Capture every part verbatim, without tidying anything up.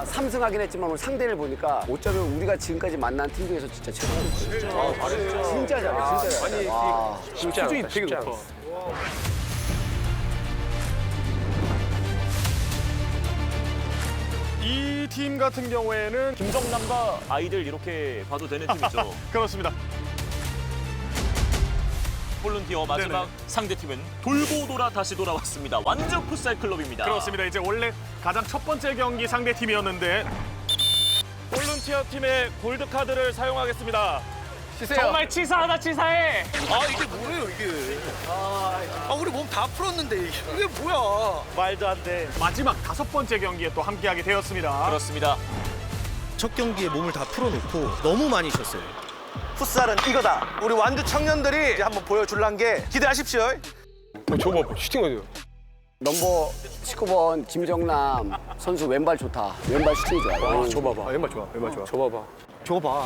삼승하긴 했지만 오늘 상대를 보니까 어쩌면 우리가 지금까지 만난 팀 중에서 진짜 최고였어요. 진짜, 진짜 잘해, 진짜 잘해. 와, 쉽지 않았다, 쉽지 않았다. 이 팀 같은 경우에는 김정남과 아이들 이렇게 봐도 되는 팀이죠. 그렇습니다. 볼런티어 마지막 네네. 상대팀은 돌고 돌아 다시 돌아왔습니다. 완주 풋살 클럽입니다. 그렇습니다. 이제 원래 가장 첫 번째 경기 상대 팀이었는데 볼런티어 팀의 골드 카드를 사용하겠습니다. 정말 치사하다 치사해. 아 이게 뭐예요 이게? 아 우리 몸 다 풀었는데 이게, 이게 뭐야? 말도 안 돼. 마지막 다섯 번째 경기에 또 함께하게 되었습니다. 그렇습니다. 첫 경기에 몸을 다 풀어놓고 너무 많이 쉬었어요. 풋살은 이거다. 우리 완주 청년들이 이제 한번 보여줄란 게 기대하십시오. 어, 저거 봐봐, 슈팅 어디요? 넘버 십구 번 김정남 선수 왼발 좋다. 왼발 슈팅이 좋아요. 아, 저 봐봐. 왼발 좋아, 왼발 좋아. 저 봐봐. 저거 봐.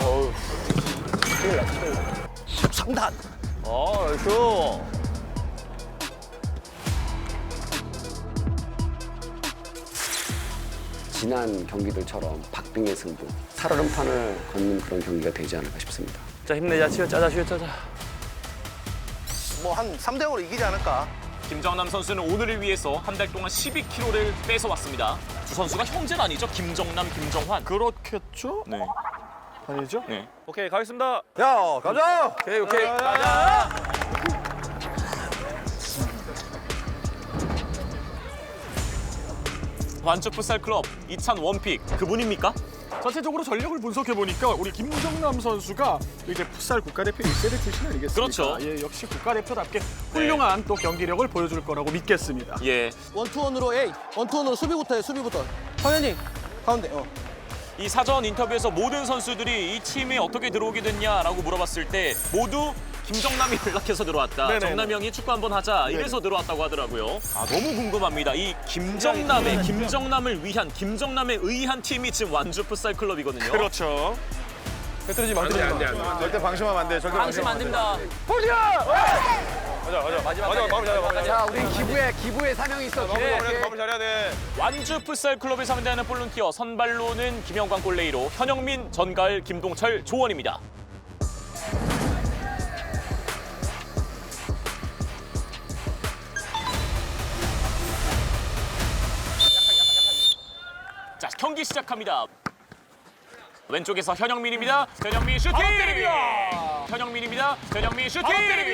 삼 단. 어, 나이스. 지난 경기들처럼 박빙의 승부, 살얼음판을 걷는 그런 경기가 되지 않을까 싶습니다. 자, 힘내자, 치어 짜자, 치어 짜자. 뭐 한 삼 대 영으로 이기지 않을까? 김정남 선수는 오늘을 위해서 한 달 동안 십이 킬로그램을 뺏어왔습니다. 두 선수가 형제는 아니죠? 김정남, 김정환. 그렇겠죠? 네. 아니죠? 네. 오케이, 가겠습니다. 야 가자. 오케이, 오케이. 가자. 완주 풋살 클럽 이찬 원픽 그분입니까? 전체적으로 전력을 분석해 보니까 우리 김정남 선수가 이제 풋살 국가대표 일 세대 출신 아니겠습니까? 그렇죠. 예, 역시 국가대표답게 훌륭한 또 경기력을 보여줄 거라고 믿겠습니다. 예. 원투원으로 A. 원투원으로 수비부터 해 수비부터. 성현이 가운데. 어. 이 사전 인터뷰에서 모든 선수들이 이 팀에 어떻게 들어오게 됐냐라고 물어봤을 때 모두 김정남이 연락해서 들어왔다. 네네. 정남이 형이 축구 한번 하자. 이래서 들어왔다고 하더라고요. 아, 너무 궁금합니다. 이 김정남의 김정남을 위한 김정남에 의한 팀이 지금 완주 풋살 클럽이거든요. 그렇죠. 안 돼, 안 돼, 안 돼. 절대 방심하면 안 돼. 절대 방심 안 됩니다. 맞아, 맞아. 마지막 맞아, 마무리 잘해, 마무리 자, 우리 기부의 기부의 사명이 있어. 기부. 잘해. 마무리 잘해야 돼. 완주 풋살 클럽을 상대하는 볼런티어 선발로는 김영광 골레이로 현영민, 전가을, 김동철, 조원입니다. 자, 경기 시작합니다. 왼쪽에서 현영민입니다. 현영민 슈팅! 현영민입니다. 현영민 슈팅!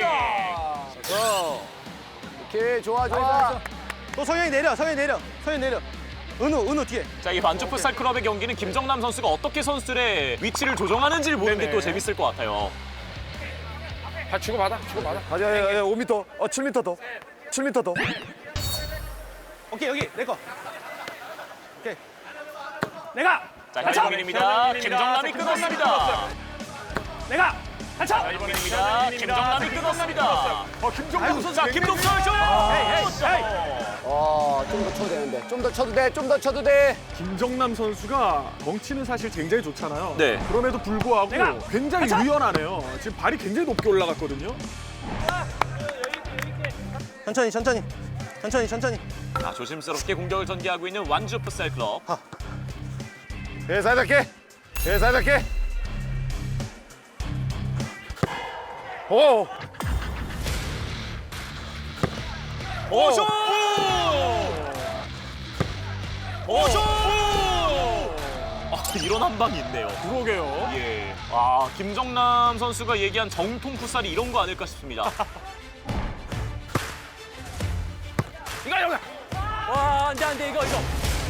오케이, 좋아, 좋아. 또 성현이 내려. 성현이 내려. 성현이 내려. 은우 은우 뒤에. 자, 이 완주 풋살 클럽의 경기는 김정남 선수가 어떻게 선수들의 위치를 조정하는지를 보는 게 네네. 또 재밌을 것 같아요. 다 주고받아, 주고받아. 가자, 오 미터, 어, 칠 미터 더. 칠 미터 더. 오케이 여기 내 거. 오케이. 내가 자, 현영민입니다. 김정남이 끊었습니다. 내가 한참. 자, 이번입니다. 김정남이 끊었습니다. 어, 김정남 선수. 자, 김동철 쇼! 어, 좀 더 쳐도 되는데. 좀 더 쳐도 돼, 좀 더 쳐도 돼. 김정남 선수가 덩치는 사실 굉장히 좋잖아요. 네. 그럼에도 불구하고 굉장히 유연하네요. 지금 발이 굉장히 높게 올라갔거든요. 천천히 천천히. 천천히 천천히. 자, 조심스럽게 공격을 전개하고 있는 완주 풋살 클럽. 예, 살짝게. 예, 살짝게. 오! 오, 쇼! 오, 쇼! 아, 이런 한 방이 있네요. 그러게요. 예. 아, 김정남 선수가 얘기한 정통 풋살이 이런 거 아닐까 싶습니다. 이거 이거. 와, 안 돼, 안 돼, 이거 이거.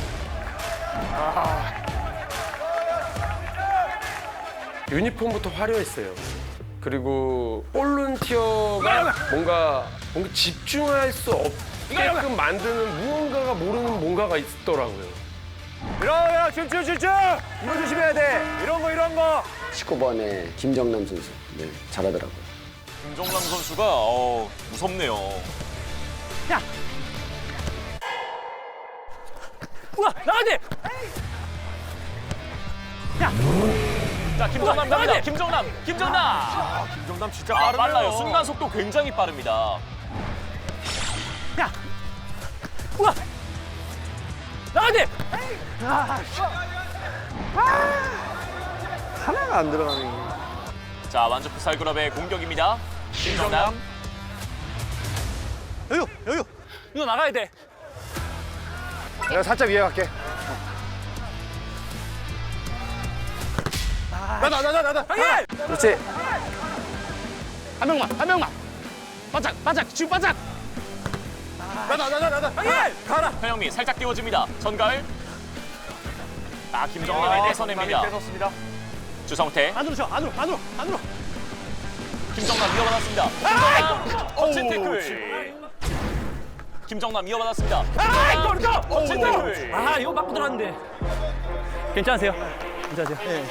유니폼부터 화려했어요. 그리고 볼런티어가 뭔가 뭔가 집중할 수 없게끔 만드는 무언가가 모르는 뭔가가 있더라고요. 이러야 집중 집중. 이거 조심해야 돼. 이런 거 이런 거. 십구 번에 김정남 선수. 네, 잘하더라고요. 김정남 선수가 어, 무섭네요. 야. 우와 나가야 돼. 야. 자, 김정남 갑니다. 김정남, 김정남. 아, 김정남 진짜 아, 빠르네요. 빨라요. 순간 속도 굉장히 빠릅니다. 야. 우와. 나가야 돼. 하나가 안 들어가네. 자, 완주 풋살클럽의 공격입니다. 김정남. 여유, 여유. 이거 나가야 돼. 내가 살짝 위에 갈게. 나다 나다 나다. 그렇지. 한 명만, 한 명만. 바짝, 바짝, 지금 바짝. 나다 나다 나다. 가라. 현영민 살짝 띄워줍니다. 전가을. 아, 김정남이 뺏어냅니다. 뺏었습니다. 주성태. 안으로 쳐, 안으로, 안으로, 안으로. 김정남 이어받았습니다. 김정남 멋진 태클. 김정남 이어받았습니다. 아, 골! 멋진 태클. 아 이거 맞고 들어갔는데 괜찮으세요? 괜찮으세요?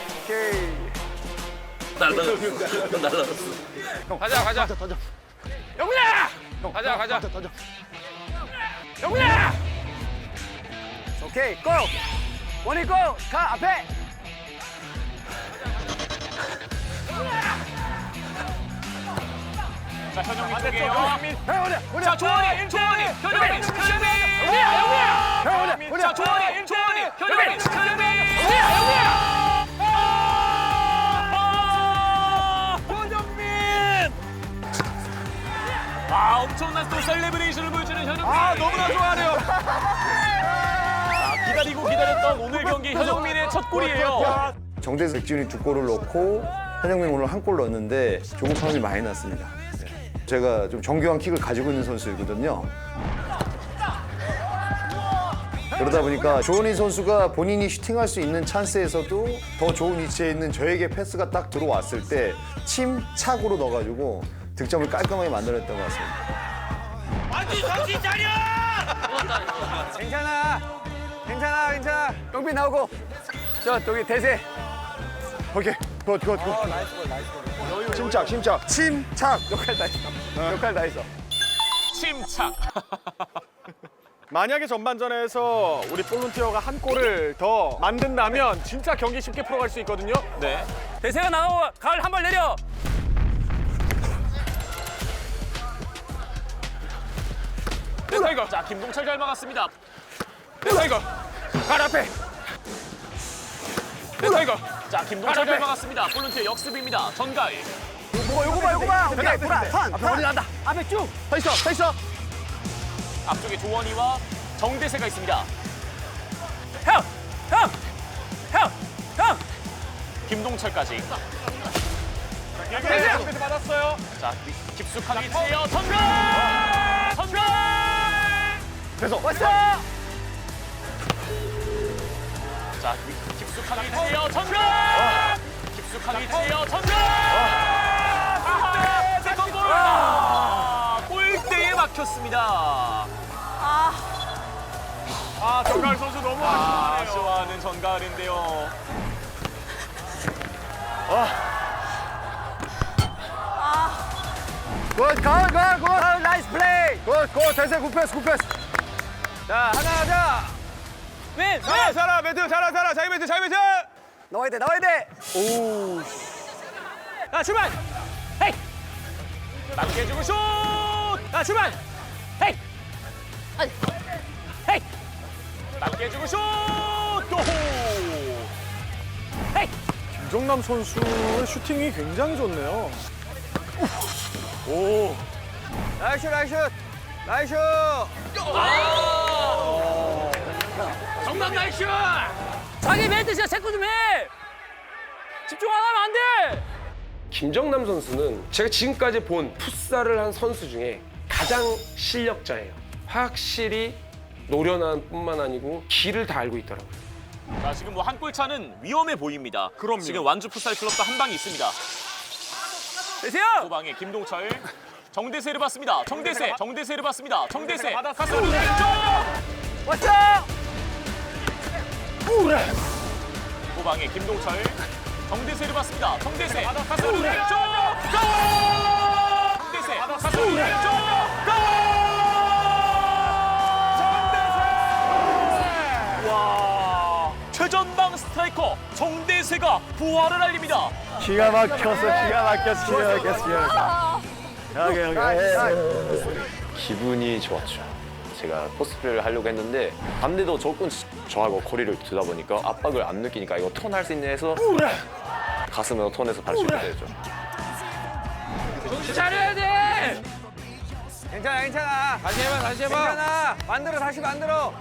가자, 가자. 영민아! 가자, 가자. 영민아! 오케이, 고! 원이 고! 가, 앞에! 자, 현영민 쪽이에요. 현영민. 자, 조원이, 조원이, 현영민, 현영민. 영민아, 영민아. 형님. 자, 조원이, 조원이, 현영민, 현영민. 영민아, 영민아. 아, 엄청난 또 셀레브레이션을 보여주는 현영민. 아, 너무나 좋아하네요. 자, 기다리고 기다렸던 오늘 경기 현영민의 첫 골이에요. 정대수 백지훈이 두 골을 넣고 현영민 오늘 한 골 넣었는데 조급함이 많이 났습니다. 제가 좀 정교한 킥을 가지고 있는 선수이거든요. 그러다 보니까 조원희 선수가 본인이 슈팅할 수 있는 찬스에서도 더 좋은 위치에 있는 저에게 패스가 딱 들어왔을 때 침착으로 넣어가지고 득점을 깔끔하게 만들어냈던 것 같습니다. 괜찮아. 괜찮아, 괜찮아. 영빈 나오고. 저, 저기 대세. 오케이, 굿, 굿, 굿. 침착, 침착. 침착. 역할 다 했어. 역할 다 했어. 침착. 만약에 전반전에서 우리 볼런티어가 한 골을 더 만든다면 진짜 경기 쉽게 풀어갈 수 있거든요. 네. 대세가 나오고 가을 한 발 내려 네, 타이거. 자, 김동철 잘 막았습니다. 네, 타이거. 갈 앞에. 네, 타이거. 자, 김동철 잘 막았습니다. 볼런티어 역습입니다. 전가을. 요거, 요거 봐, 요거 봐. 오케이, 돌아, 턴, 앞에 머리 난다. 앞에 쭉. 서 있어, 서 있어. 앞쪽에 조원희와 정대세가 있습니다. 형! 형! 형! 형! 김동철까지. 대세 받았어요. 자, 깊숙한 위치에요. 전가을! 전가을! 됐어. 왔어! 자, 깊숙한 위치에요. 전가을! 깊숙한 위치에요. 전가을! 세컨 골! 아, 골대에 막혔습니다. 아, 정가을 선수 너무 아, 아쉬워하네요. 아쉬워하는 전가을인데요. 굿, 굿, 굿, 굿. 나이스 플레이. 굿, 굿. 대세 굿패스, 굿패스. 자, 하나 하자. 윈! 살아, 살아, 매트, 살아, 살아. 자이 매트, 자이 매트. 나와야 돼, 나와야 돼. 야 출발! 헤이! 남겨주고 슛! 야 출발! 헤이! 아니. 헤이! 남겨주고 슛! 고! 헤이! 김정남 선수의 슈팅이 굉장히 좋네요. 오! 나이스, 나이스. 나이스. 정남 나이스! 자기 멘트 진짜 체크 좀 해! 집중 안 하면 안 돼! 김정남 선수는 제가 지금까지 본 풋살을 한 선수 중에 가장 실력자예요. 확실히 노련한 뿐만 아니고 길을 다 알고 있더라고요. 자, 지금 뭐 한 골 차는 위험해 보입니다. 그럼요. 지금 완주 풋살 클럽도 한 방이 있습니다. 대세요! 후방에 김동철. 정대세를 받습니다. 정대세, 정대세를 받습니다. 정대세. 받았어요. 가슴 왼쪽! 왔어! 후방에 김동철. 정대세를 받습니다. 정대세. 가슴 왼쪽! 골! 정대세. 가슴 왼쪽! 골! 와! 최전방 스트라이커 정대세가 부활을 알립니다. 기가 막혔어, 기가 막혔어, 기가 막혔어, 기가 막혔어. 여기, 여기. 기분이 좋았죠. 제가 포스트를 하려고 했는데 반대도 조금 저하고 거리를 두다 보니까 압박을 안 느끼니까 이거 턴할 수 있는 해서 가슴으로 턴해서 발 수 있게 되죠. 정신 차려야 돼. 괜찮아, 괜찮아. 다시 해봐, 다시 해봐. 괜찮아. 만들어, 다시 만들어.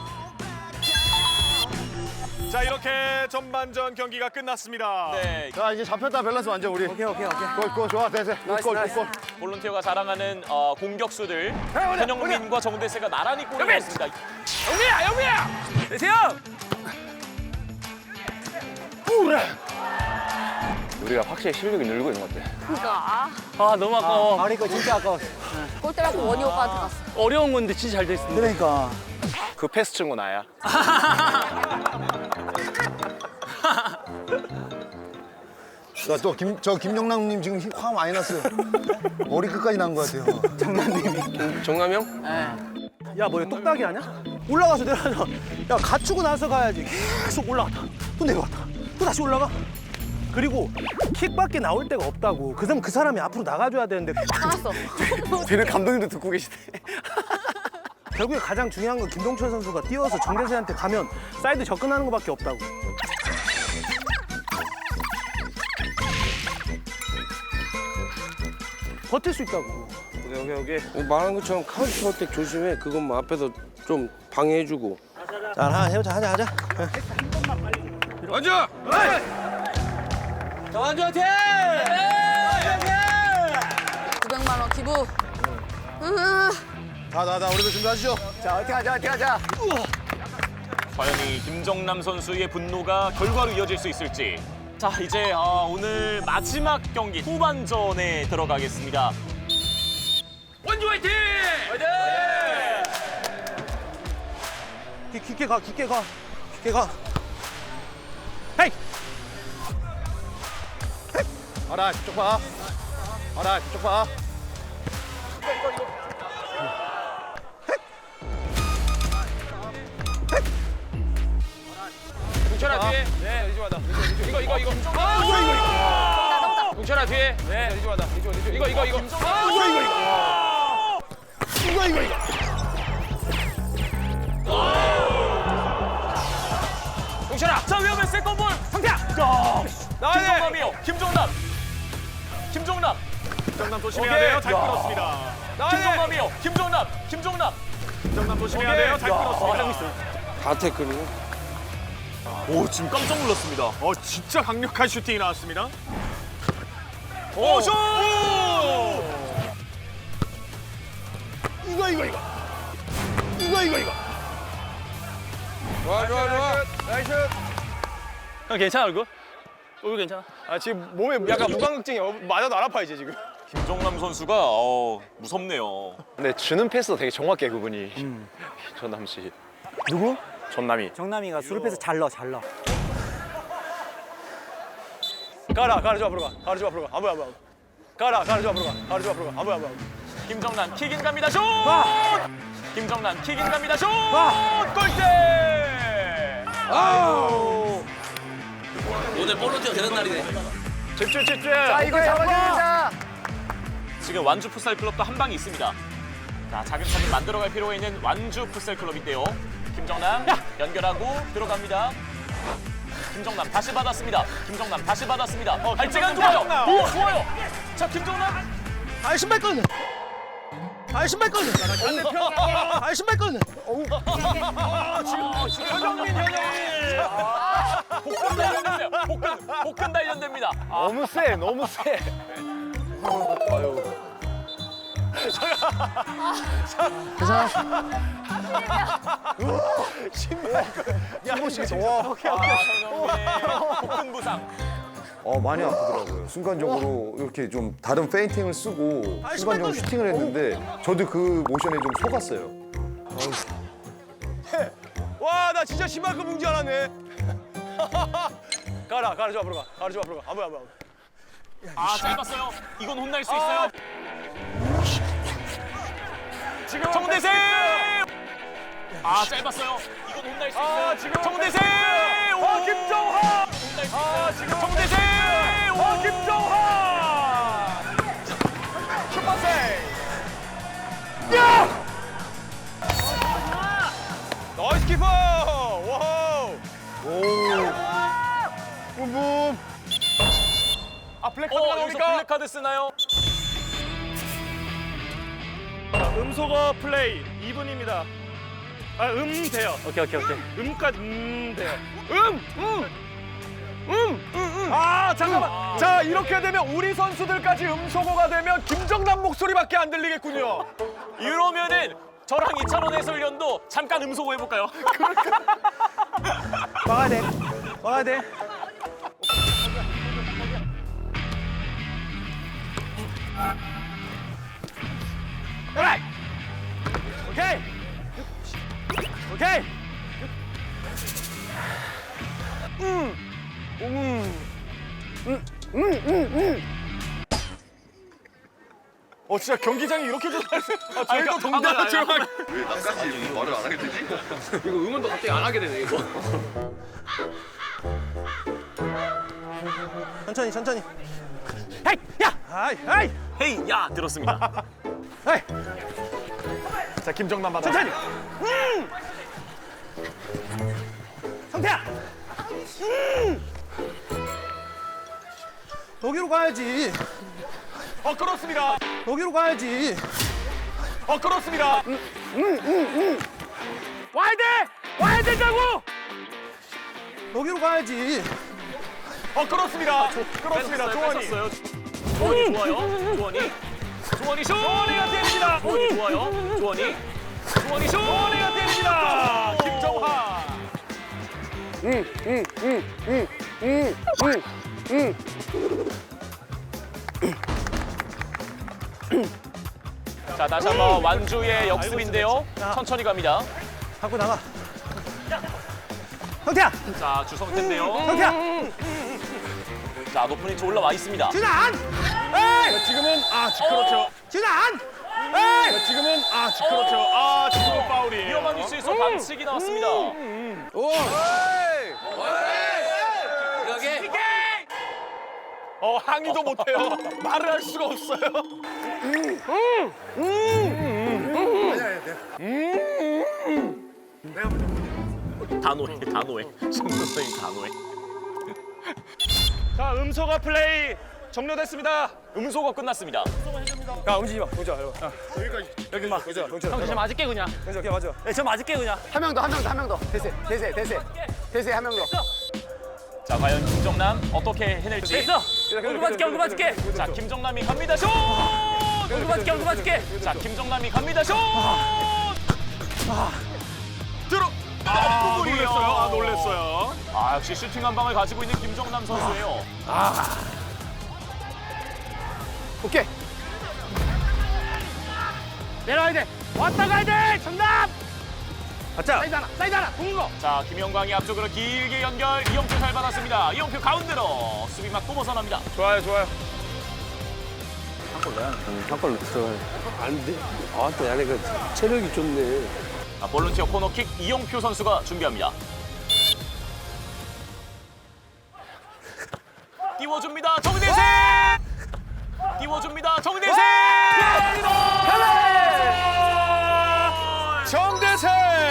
자, 이렇게 전반전 경기가 끝났습니다. 네, 자 이제 잡혔다 밸런스 완전 우리. 오케이 오케이 오케이. 골, 골 좋아 대세. 골, 나이스. 골. 볼런티어가 자랑하는 어, 공격수들 현영민과 정대세가 나란히 골을 넣었습니다. 영미야, 영미야. 대세요. 우리가 확실히 실력이 늘고 있는 것 같아. 그러니까 아, 너무 아까워. 아니, 이거 진짜 아까워. 골 때라고 원희 오빠한테 갔어. 어려운 건데 진짜 잘 됐습니다. 그러니까. 그 패스 친구 나야. 나또김저 김정남님 지금 화 많이 났어요. 머리 끝까지 난 것 같아요. 정남 형? 야, 뭐 똑딱이 아냐? 올라가서 내려가서 야, 갖추고 나서 가야지. 계속 올라갔다. 또 내려갔다. 또 다시 올라가. 그리고 킥밖에 나올 데가 없다고. 그 사람 그 사람이 앞으로 나가줘야 되는데 나갔어. 쟤는 감독님도 듣고 계시네. 결국에 가장 중요한 건 김동철 선수가 뛰어서 정대세한테 가면 사이드 접근하는 것밖에 없다고. 버틸 수 있다고. 오케이 오케이 오케이. 말한 것처럼 카운터 어택 조심해. 그건 뭐 앞에서 좀 방해해주고. 자, 하나 해보자. 하자 하자. 먼저. 완주한테. 구백만 원 기부. 으, 자자자 우리도 준비하시죠. 자, 어떻게 하자, 어떻게 하자. 과연 이 김정남 선수의 분노가 결과로 이어질 수 있을지. 자, 이제 어, 오늘 마지막 경기 후반전에 들어가겠습니다. 원주 화이팅. 화이팅. 깊- 깊게 가, 깊게 가, 깊게 가. 헤이! 알아 저쪽 봐. 알아 저쪽 봐. 동철아 뒤에. 네. 리즈마다. 이거 이거 이거. 동철아 뒤에. 네. 리즈마다. 이거 이거 이거. 이거 이거 이거. 동철아, 자 위험해 세컨볼 상태야. 김정남이요. 김정남. 김정남. 김정남 조심해야 돼요. 잘 끊었습니다. 김정남이요. 김정남. 김정남. 김정남 조심해야 돼요. 잘 끊었습니다. 다 태클이요. 오, 지금 깜짝 놀랐습니다. 어, 진짜 강력한 슈팅이 나왔습니다. 오, 슛! 이거, 이거, 이거. 이거, 이거, 이거. 좋아 좋아 좋아. 형 괜찮아 얼굴? 얼굴 괜찮아? 아, 지금 몸에 약간 무방극증이 맞아도 안 아파, 이제 지금. 김정남 선수가 어, 무섭네요. 근데 주는 패스도 되게 정확해 그분이. 전남 씨. 누구? 전남이. 정남이가 수를 빼서 잘 넣어, 잘 넣어. 가라, 가라, 좀 앞으로 가. 가라, 좀 앞으로 가. 안 보여, 안 보여. 가라, 가라, 좀 앞으로 가. 가라, 좀 앞으로 가. 안 보여, 안 보여. 김정남 킥인 갑니다. 슛! 김정남 킥인 갑니다. 슛! 골대! 오늘 볼런티어 되는 날이네. 집중, 집중. 자, 이거 잡아야 된다. 지금 완주 풋살 클럽도 한 방이 있습니다. 자, 자극차를 만들어갈 필요가 있는 완주 풋살 클럽인데요. 김정남 연결하고 들어갑니다. 김정남 다시 받았습니다. 김정남 다시 받았습니다. 어, 발재간 좋아요. 오, 좋아요. 자, 김정남. 아, 신발 꺼내. 아, 신발 꺼내. 아, 신발 꺼내. 현영민, 현영민. 복근 단련됐어요. 복근, 복근 단련됩니다. 아, 너무 세 너무 세. 한번씩 좋아. 현영민의 복근 부상. 어 많이 아프더라고요. 순간적으로 이렇게 좀 다른 페인팅을 쓰고 순간적으로 슈팅을 했는데 저도 그 모션에 좀 속았어요. 와, 나 진짜 심할거 뭉지 않았네. 가라, 가라, 좀 앞으로 가. 가라, 좀 앞으로 가. 안 보여, 안 보여. 아, 짧았어요. 이건 혼날 수 있어요. 지금 정대세! 아, 짧았어요. 이건 혼날 수 있어요. 지금 정대세! 오, 아, 김정환! 혼날 수 아, 있어요. 지금 정대세! 오, 아, 김정환! 슈퍼세이! 야! 블랙카드 어, 여기서 나옵니까? 블랙카드 쓰나요? 자, 음소거 플레이 이 분입니다. 아, 음 돼요. 오케이 오케이 오케이. 음까지 음 돼요. 음! 음! 음! 음! 음! 아, 잠깐만. 자, 이렇게 되면 우리 선수들까지 음소거가 되면 김정남 목소리밖에 안 들리겠군요. 이러면은 저랑 이찬원 해설위원도 잠깐 음소거 해볼까요? 막아야 돼. 막아야 돼. 오케이. 오케이. 어, 진짜 경기장이 이렇게 좋다. 아, 저희도 동대문 조용하게. 천천히 천천히. 헤이 야. 아이 아이. 헤이, 야! 들었습니다. 헤이. 자, 김정남 받아. 천천히. 음. 상태야. 음. 여기로 가야지. 어, 그렇습니다. 여기로 가야지. 어, 그렇습니다. 와야 돼. 와야 된다고. 여기로 가야지. 어, 그렇습니다. 그렇습니다. 조원이. 뺐었어요. 조원이 좋아요. 조원이. 조원이 슛! 조원이가 때립니다. 조원이 좋아요. 조원이. 조원이 슛! 조원이가 때립니다. 김정환. 자, 다시 한번 완주의 역습인데요. 천천히 갑니다. 갖고 나가. 상태야. 자, 주성태인데요. 상태야. 자, 높은 위치 올라와 있습니다. 진안. 자, 지금은 아, 지- 그렇죠. 진안. 자, 지금은 아, 지- 그렇죠. 아, 지금은 파울이에요. 위험한 위치에서 반칙이 나왔습니다. 어, 항의도 못해요. 말을 할 수가 없어요. 단호해, 단호해. 신동생이 단호해. 자, 음소거 플레이 종료됐습니다. 음소거 끝났습니다. 야 움직이지 마. 보자. 여기 막. 보자. 형, 저 맞을게 그냥. 여기 맞아. 네, 저 맞을게 그냥. 한 명 더, 한 명 더, 한 명 더. 대세, 대세, 대세. 대세 한 명 더. 자, 과연 김정남 어떻게 해낼지. 됐어. 얼굴 맞을게 얼굴 맞을게. 자, 김정남이 갑니다. 슛! 얼굴 맞을게 얼굴 맞을게. 자, 김정남이 갑니다. 슛! 들어. 아, 놀랬어요. 아, 놀랬어요. 아, 역시 슈팅 한 방을 가지고 있는 김정남 선수예요. 오케이. 내려와야 돼. 왔다 가야 돼. 정답. 가자. 사이드 하나 사이드 하나 동거 자, 김영광이 앞쪽으로 길게 연결. 이영표 잘 받았습니다. 이영표 가운데로 수비 맞고 벗어납니다. 좋아요, 좋아요. 한골 들어가야 안 돼. 아, 또 야네가 체력이 좋네. 자, 볼런티어 코너킥 이영표 선수가 준비합니다. 띄워줍니다. 정대세! 띄워줍니다. 정대세! 정대세!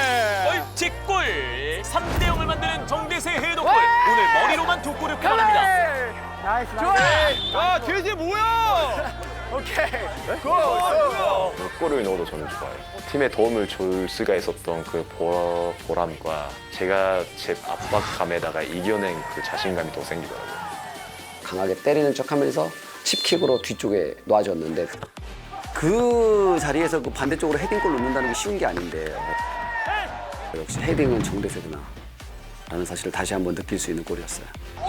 벌칙골! 삼 대 영을 만드는 정대세 헤더골! 오늘 머리로만 두 골을 뽑아냅니다. 나이스, 나이스. 아, 돼지 뭐야? 오케이. 그 골을 넣어도 저는 좋아요. 팀에 도움을 줄 수가 있었던 그 보, 보람과 제가 제 압박감에다가 이겨낸 그 자신감이 더 생기더라고요. 강하게 때리는 척하면서 칩킥으로 뒤쪽에 놔줬는데 그 자리에서 그 반대쪽으로 헤딩골 넣는다는 게 쉬운 게 아닌데 역시 헤딩은 정대세구나 라는 사실을 다시 한번 느낄 수 있는 골이었어요.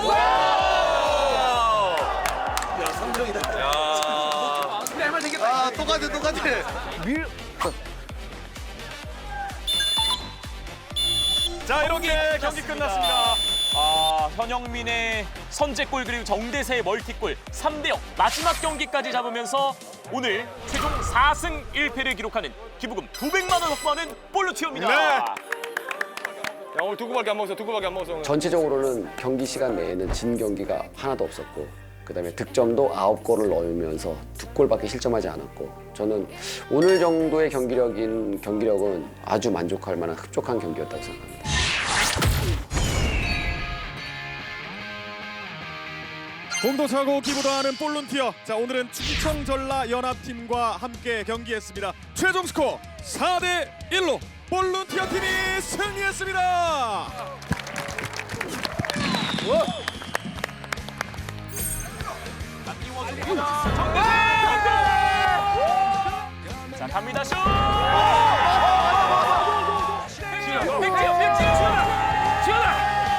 아 똑같아 똑같아. 자, 이렇게 경기 끝났습니다. 아, 현영민의 선제골 그리고 정대세의 멀티골 삼 대 영 마지막 경기까지 잡으면서 오늘 최종 사 승 일 패를 기록하는 기부금 구백만 원 확보하는 볼루티오입니다. 네. 야, 오늘 두 골밖에 안 먹었어. 두 골밖에 안 먹었어. 오늘. 전체적으로는 경기 시간 내에는 진 경기가 하나도 없었고 그다음에 득점도 아홉 골을 넣으면서 두 골밖에 실점하지 않았고 저는 오늘 정도의 경기력인 경기력은 아주 만족할 만한 흡족한 경기였다고 생각합니다. 공도 차고 기부도 하는 볼룬티어. 자, 오늘은 충청 전라 연합팀과 함께 경기했습니다. 최종 스코어 사 대 일로 볼룬티어 팀이 승리했습니다. 자, 갑니다. 슛! 빅지요, 빅지요, 지현아! 지현아!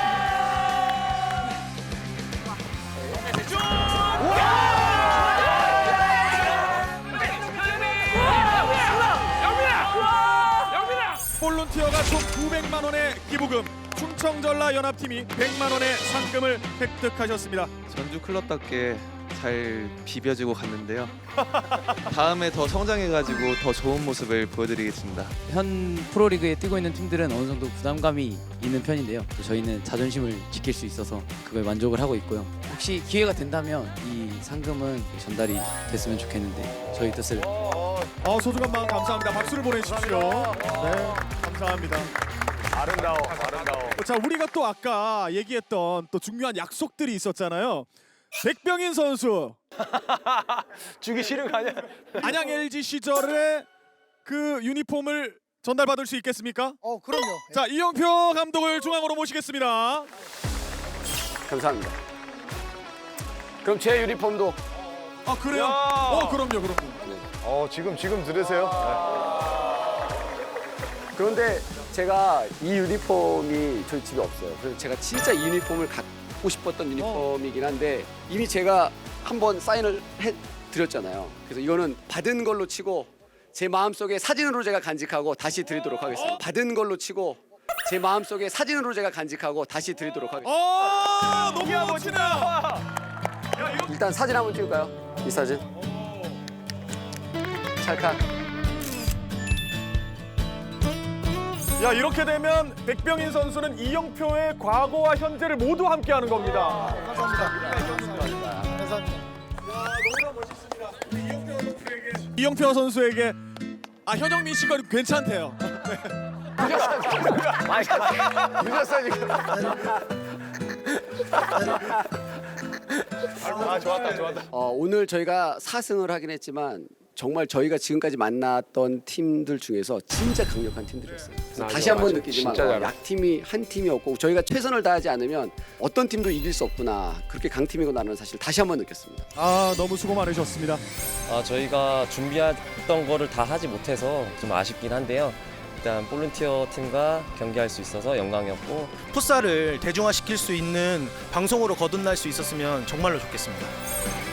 볼룬티어가 총 구백만 원의 기부금, 충청 전라 연합팀이 백만 원의 상금을 획득하셨습니다. 전주 클럽답게 잘 비벼주고 갔는데요. 다음에 더 성장해가지고 더 좋은 모습을 보여드리겠습니다. 현 프로리그에 뛰고 있는 팀들은 어느 정도 부담감이 있는 편인데요. 저희는 자존심을 지킬 수 있어서 그걸 만족을 하고 있고요. 혹시 기회가 된다면 이 상금은 전달이 됐으면 좋겠는데 저희 뜻을 어, 소중한 마음 감사합니다. 박수를 보내주십시오. 네, 감사합니다. 아름다워, 아름다워. 자, 우리가 또 아까 얘기했던 또 중요한 약속들이 있었잖아요. 백병인 선수. 주기 싫은 거 아니야? 안양 엘지 시절에 그 유니폼을 전달받을 수 있겠습니까? 어 그럼요. 자, 이영표 감독을 중앙으로 모시겠습니다. 감사합니다. 그럼 제 유니폼도 아, 그래요? 어, 그럼요, 그럼요. 어, 지금 지금 들으세요? 그런데 제가 이 유니폼이 저희 집에 없어요. 그래서 제가 진짜 이 유니폼을 갖고 싶었던 유니폼이긴 한데 이미 제가 한번 사인을 해드렸잖아요. 그래서 이거는 받은 걸로 치고 제 마음속에 사진으로 제가 간직하고 다시 드리도록 하겠습니다. 받은 걸로 치고 제 마음속에 사진으로 제가 간직하고 다시 드리도록 하겠습니다. 어, 너무 멋지다. 일단 사진 한번 찍을까요? 이 사진. 찰칵. 야, 이렇게 되면 백병인 선수는 이영표의 과거와 현재를 모두 함께하는 겁니다. 이영표 선수에게 아, 현영민 씨가 괜찮대요. 늦었어요, 지금. 아, 좋았다, 좋았다. 어, 오늘 저희가 사 승을 하긴 했지만 정말 저희가 지금까지 만났던 팀들 중에서 진짜 강력한 팀들이었어요. 그래서 맞아, 다시 한번 맞아. 느끼지만 진짜 어, 잘해. 약팀이 한 팀이었고 저희가 최선을 다하지 않으면 어떤 팀도 이길 수 없구나. 그렇게 강팀이구나라는 사실 다시 한번 느꼈습니다. 아, 너무 수고 많으셨습니다. 아, 저희가 준비했던 거를 다 하지 못해서 좀 아쉽긴 한데요. 일단 볼룬티어 팀과 경기할 수 있어서 영광이었고 풋살을 대중화시킬 수 있는 방송으로 거듭날 수 있었으면 정말로 좋겠습니다.